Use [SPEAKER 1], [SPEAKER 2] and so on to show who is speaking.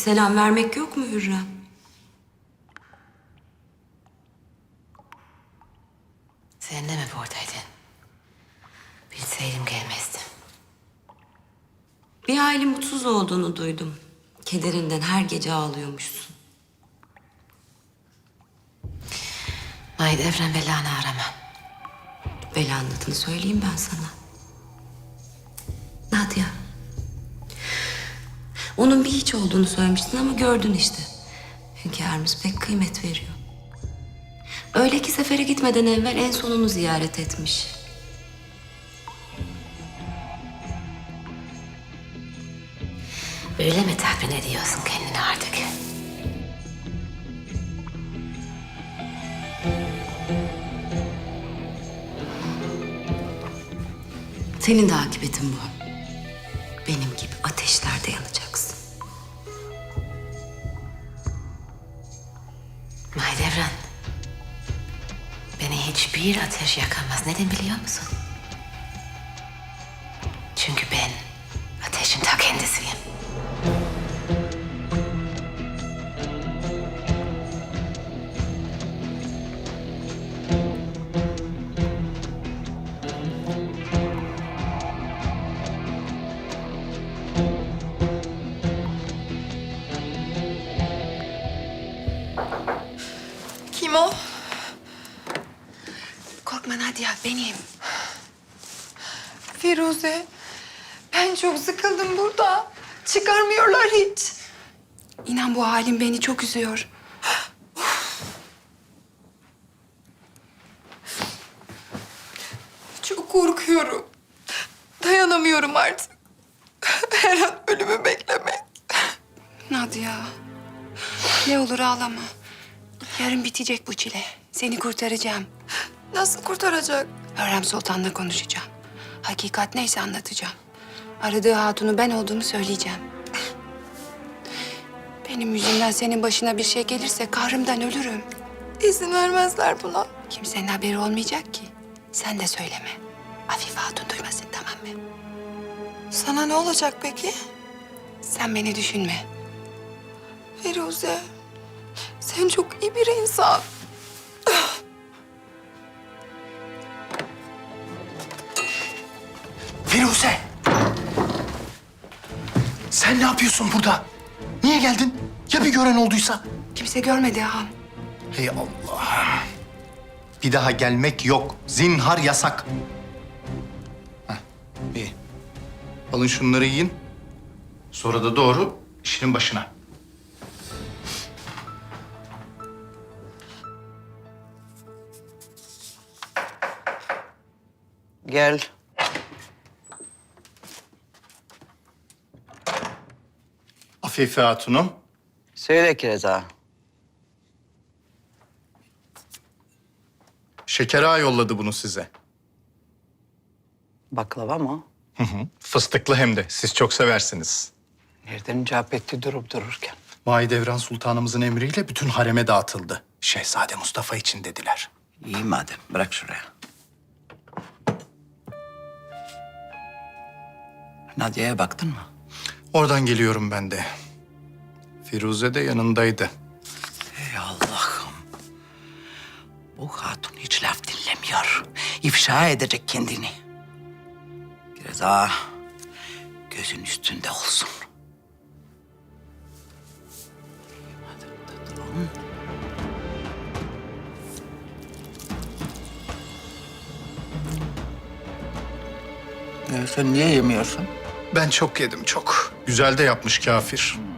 [SPEAKER 1] selam vermek yok mu Hürrem?
[SPEAKER 2] Sen de mi buradaydın? Bilseydim gelmezdim.
[SPEAKER 1] Bir hayli mutsuz olduğunu duydum. Kederinden her gece ağlıyormuşsun.
[SPEAKER 2] Mahidevran belanı arama.
[SPEAKER 1] Belanın adını söyleyeyim ben sana. Nadia. Onun bir hiç olduğunu söylemiştin ama gördün işte. Hünkârımız pek kıymet veriyor. Öyle ki sefere gitmeden evvel en sonunu ziyaret etmiş.
[SPEAKER 2] Öyle mi tahmin ediyorsun kendini artık?
[SPEAKER 1] Senin de akıbetin bu. Benim gibi ateşlerde yanacaksın.
[SPEAKER 2] Mahidevran, beni hiçbir ateş yakamaz. Neden biliyor musun? Çünkü ben ateşin ta kendisiyim.
[SPEAKER 3] Kim o?
[SPEAKER 4] Korkma Nadia, benim.
[SPEAKER 3] Firuze. Ben çok sıkıldım burada. Çıkarmıyorlar hiç.
[SPEAKER 4] İnan bu halim beni çok üzüyor.
[SPEAKER 3] Çok korkuyorum. Dayanamıyorum artık. Her an ölümü beklemek.
[SPEAKER 4] Nadia, ne olur ağlama. Yarın bitecek bu çile. Seni kurtaracağım.
[SPEAKER 3] Nasıl kurtaracak?
[SPEAKER 4] Hürrem Sultan'la konuşacağım. Hakikat neyse anlatacağım. Aradığı hatunu ben olduğumu söyleyeceğim. Benim yüzümden senin başına bir şey gelirse kahrımdan ölürüm.
[SPEAKER 3] İzin vermezler buna.
[SPEAKER 4] Kimsenin haberi olmayacak ki. Sen de söyleme. Afife Hatun duymasın, tamam mı?
[SPEAKER 3] Sana ne olacak peki?
[SPEAKER 4] Sen beni düşünme.
[SPEAKER 3] Firuze. Sen çok iyi bir insan.
[SPEAKER 5] Firuze! Sen ne yapıyorsun burada? Niye geldin? Ya bir gören olduysa?
[SPEAKER 4] Kimse görmedi ağam.
[SPEAKER 5] Hey Allah! Bir daha gelmek yok. Zinhar yasak. Heh, iyi. Alın şunları yiyin. Sonra da doğru işinin başına.
[SPEAKER 6] Gel.
[SPEAKER 5] Afife Hatun'um.
[SPEAKER 6] Söyle Kireza.
[SPEAKER 5] Şeker Ağa yolladı bunu size.
[SPEAKER 6] Baklava mı?
[SPEAKER 5] Fıstıklı hem de. Siz çok seversiniz.
[SPEAKER 6] Nereden icap etti durup dururken?
[SPEAKER 5] Mahidevran Sultanımızın emriyle bütün hareme dağıtıldı. Şehzade Mustafa için dediler.
[SPEAKER 6] İyi madem. Bırak şuraya. Nadia'ya baktın mı?
[SPEAKER 5] Oradan geliyorum ben de. Firuze de yanındaydı.
[SPEAKER 6] Ey Allah'ım. Bu hatun hiç laf dinlemiyor. İfşa edecek kendini. Kireza, gözün üstünde olsun. Hadi tatlım. Sen niye yemiyorsun?
[SPEAKER 5] Ben çok yedim çok. Güzel de yapmış kafir.